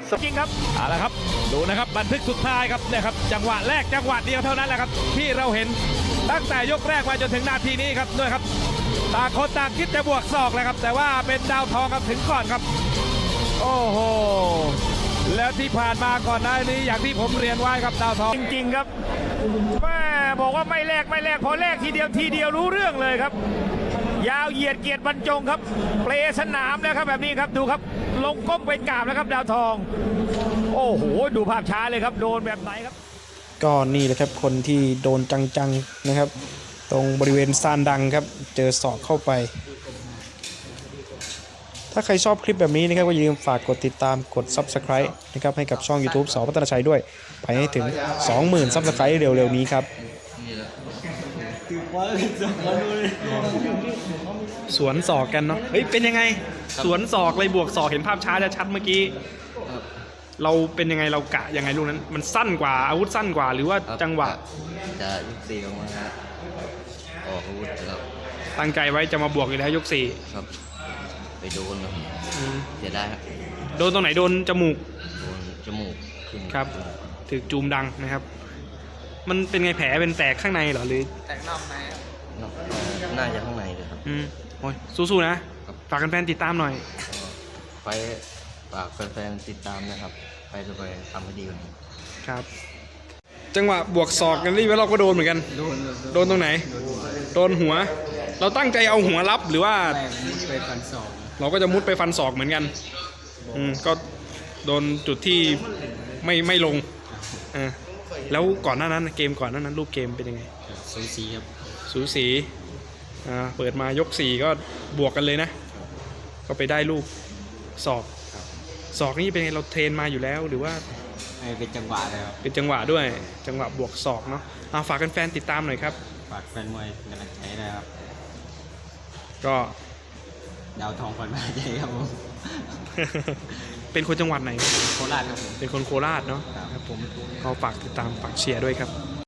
จริงครับเอาละครับดูนะครับบันทึกสุดท้ายครับเนี่ยครับจังหวะแรกจังหวะเดียวเท่านั้นแหละครับที่เราเห็นตั้งแต่ยกแรกมาจนถึงนาทีนี้ครับด้วยครับต่างคนต่างคิดจะบวกศอกเลยครับแต่ว่าเป็นดาวทองครับถึงก่อนครับโอ้โหแล้วที่ผ่านมาก่อนหน้านี้อย่างที่ผมเรียนไว้ครับดาวทองจริงๆครับแม่บอกว่าไม่แลกพอแลกทีเดียวรู้เรื่องเลยครับยาวเหยียดเกียรติบรรจงครับเปลสนามแล้วครับแบบนี้ครับดูครับลงก้มไปกราบแล้วครับดาวทองโอ้โหดูภาพช้าเลยครับโดนแบบไหนครับก็นี่แหละครับคนที่โดนจังๆนะครับตรงบริเวณซานดังครับเจอศอกเข้าไปถ้าใครชอบคลิปแบบนี้นะครับก็อย่าลืมฝากกดติดตามกด Subscribe นะครับให้กับช่อง YouTube ส.พัฒนาชัยด้วยไปให้ถึง 20,000 Subscribe เร็วๆนี้ครับสวนศอกกันเนาะเฮ้ยเป็นยังไงสวนศอกเลยบวกศอกเห็นภาพช้าจะชัดเมื่อกี้เราเป็นยังไงเรากะยังไงลูกนั้นมันสั้นกว่าอาวุธสั้นกว่าหรือว่าจังหวะจะยก4ออกมาครับออกอาวุธครับตั้งใจไว้จะมาบวกอยู่แล้วยก4 ครับไปโดนครับเสียได้ครับโดนตรงไหนโดนจมูกโดนจมูกครับถึกจูมดังนะครับมันเป็นไงแผลเป็นแตกข้างในเหรอหรือแตกนอกในน่าจะข้างในเลยครับโอ้ยสู้ๆนะฝากแฟนๆติดตามหน่อยไปฝากแฟนๆติดตามนะครับไปจะไปทำให้ดีกว่านี้ครับจังหวะบวกศอกกันนี่เราก็โดนเหมือนกันโดนตรงไหนโดนหัวเราตั้งใจเอาหัวรับหรือว่าไปฟันศอกเราก็จะมุดไปฟันศอกเหมือนกันก็โดนจุดที่ไม่ลงแล้วก่อนหน้านั้นเกมก่อนหน้านั้นรูปเกมเป็นยังไงสูสีครับสูสีเปิดมายก4ก็บวกกันเลยนะก็ไปได้ลูกศอกนี่เป็นไงเราเทรนมาอยู่แล้วหรือว่าเป็นจังหวะเลยครับเป็นจังหวะด้วยจังหวะบวกศอกเนาะฝากแฟนๆติดตามหน่อยครับฝากแฟนมวยกำลังใจนะครับก็ดาวทองคนมาใจครับผมเป็นคนจังหวัดไหนโคราชครับผมเป็นคนโคราชเนาะครับผมก็ฝากติดตามฝากเชียร์ด้วยครับ